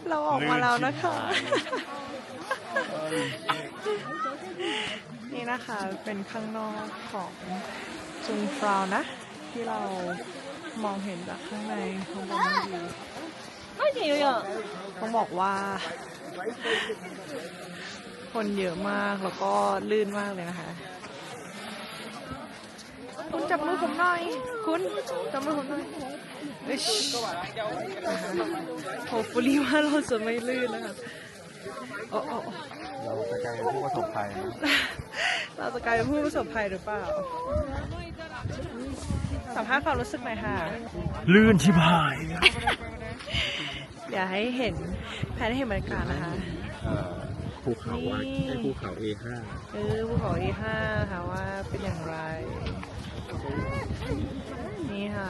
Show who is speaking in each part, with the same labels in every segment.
Speaker 1: เราออกมาแล้วนะคะ นี่นะคะเป็นข้างนอกของจุงฟราวนะ ที่เรามองเห็นจากข้างในข้างบนนี้ไม่ดีเลยอ่ะต้องบอกว่า คนเยอะมากแล้วก็ลื่นมากเลยนะคะ คุณจับมือผมหน่อยคุณจับมือผมหน่อยโฮปฟูลี่ว่าเราจะไม่ลื่นนะคะ
Speaker 2: เราจะกลายเป็นผู้ประสบภัย
Speaker 1: เราจะกลายเป็นผู้ประสบภัยหรือเปล่าสัมภาษณ์ความรู้สึกหน่อยค่ะ
Speaker 2: ลื่นชิบหาย
Speaker 1: อยากให้เห็นแผนให้เห็นบรรยากาศนะคะ
Speaker 2: ภูเขาภูเขา A5
Speaker 1: ภูเขา A5 ค่ะว่าเป็นอย่างไรนี่ค่ะ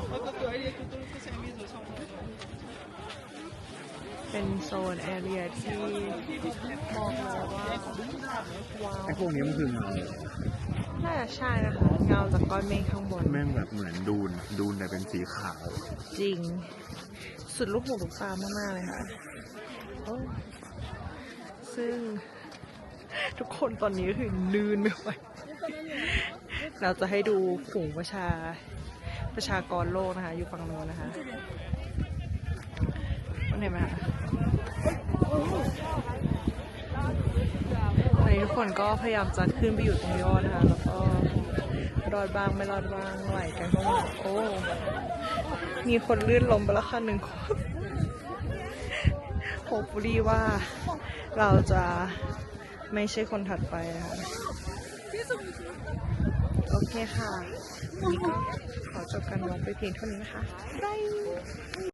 Speaker 1: เป็นโซนแอเรียที่มองแล้วว่าว้าว
Speaker 2: ไอ้พวกนี้มันคือเงา
Speaker 1: น่าจะใช่นะคะเงาจากก้อนเมฆข้างบน
Speaker 2: แม่งแบบเหมือนดูนแต่เป็นสีขาว
Speaker 1: จริงสุดลูกหูลูกตามากๆเลยค่ะซึ่งทุกคนตอนนี้ก็คือลื่นไม่ไหวเราจะให้ดูฝูงประชากรโลกนะคะอยู่ฝั่งโน้นนะคะเห็นไหมคะตอนนี้ทุกคนก็พยายามจะขึ้นไปอยู่ตรงยอดนะคะแล้วก็รอดบ้างไม่รอดบ้างไหลกันเข้ามาโอ้มีคนลื่นล้มไปแล้วค่ะ1 คนโฮปฟูลี่ว่าเราจะไม่ใช่คนถัดไปนะคะโอเคค่ะวันนี้ก็ขอจบการวอล์กไปเพียงเท่านี้นะคะบาย